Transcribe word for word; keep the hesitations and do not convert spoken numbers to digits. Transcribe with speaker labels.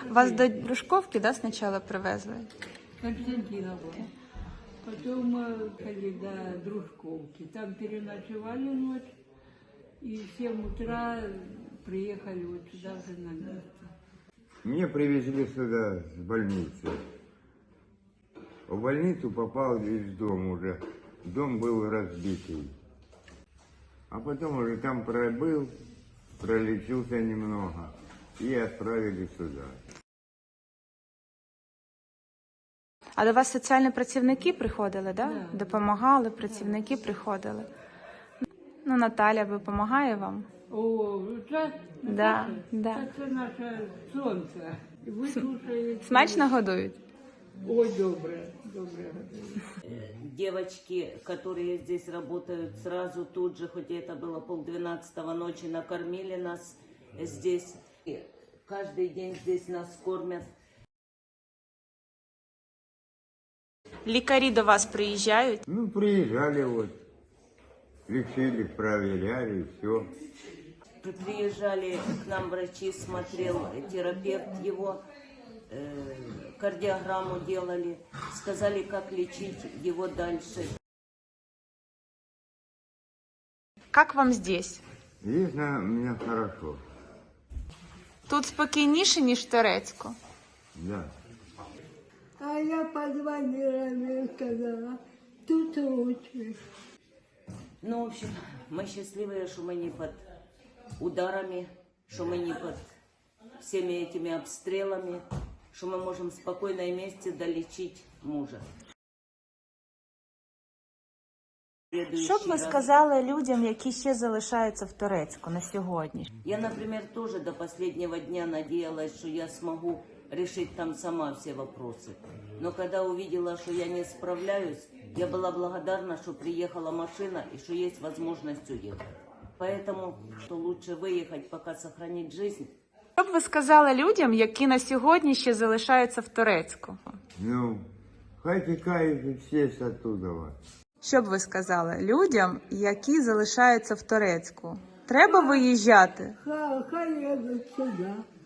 Speaker 1: Вас до Дружковки, да, спочатку привезли?
Speaker 2: Константиновка. Потом мы ходили до Дружковки. Там переночевали ночь. И в семь утра приехали вот сюда уже на место.
Speaker 3: Меня привезли сюда с больницы. В больницу попал из дома уже. Дом был разбитый. А потом уже там пробыл, пролечился немного и отправили сюда.
Speaker 1: А до вас соціальні працівники приходили, да?
Speaker 2: Да.
Speaker 1: Допомагали, працівники приходили. Ну, Наталя допомагає вам?
Speaker 2: О, це,
Speaker 1: Да,
Speaker 2: це,
Speaker 1: да.
Speaker 2: це, це наше сонце. Вислушають.
Speaker 1: Смачно годують?
Speaker 2: Ой, добре, добре.
Speaker 4: Девочки, которые здесь работают, сразу тут же, хоть и это было полдвенадцатого ночи, накормили нас здесь. И каждый день здесь нас кормят.
Speaker 1: Лікарі до вас приїжджають?
Speaker 3: Ну, приезжали вот, лечили, проверяли, и все.
Speaker 4: Приезжали к нам врачи, смотрел терапевт его, э, кардиограмму делали, сказали, как лечить его дальше.
Speaker 1: Як вам здесь?
Speaker 3: Здесь на меня хорошо,
Speaker 1: Тут спокійніше, ніж в Торецьку?
Speaker 3: да.
Speaker 2: А я позвонила, мне сказала, тут лучше.
Speaker 4: Ну, в общем, мы счастливые, что мы не под ударами, что мы не под всеми этими обстрелами, что мы можем спокойно и вместе долечить мужа.
Speaker 1: Що б ви сказали людям, які ще залишаються в Торецьку на сьогодні?
Speaker 4: Я, например, тоже до последнего дня надеялась, что я смогу решить там сама все вопросы. Но когда увидела, что я не справляюсь, я была благодарна, что приехала машина и что есть возможность уехать. Поэтому, что лучше выехать, пока сохранить жизнь.
Speaker 1: Що б ви сказали людям, які на сьогодні ще залишаються в Торецьку?
Speaker 3: Ну, хай текают все с оттуда.
Speaker 1: Що б ви сказали людям, які залишаються в Торецьку? Треба виїжджати?
Speaker 2: Хай, хай едут сюда.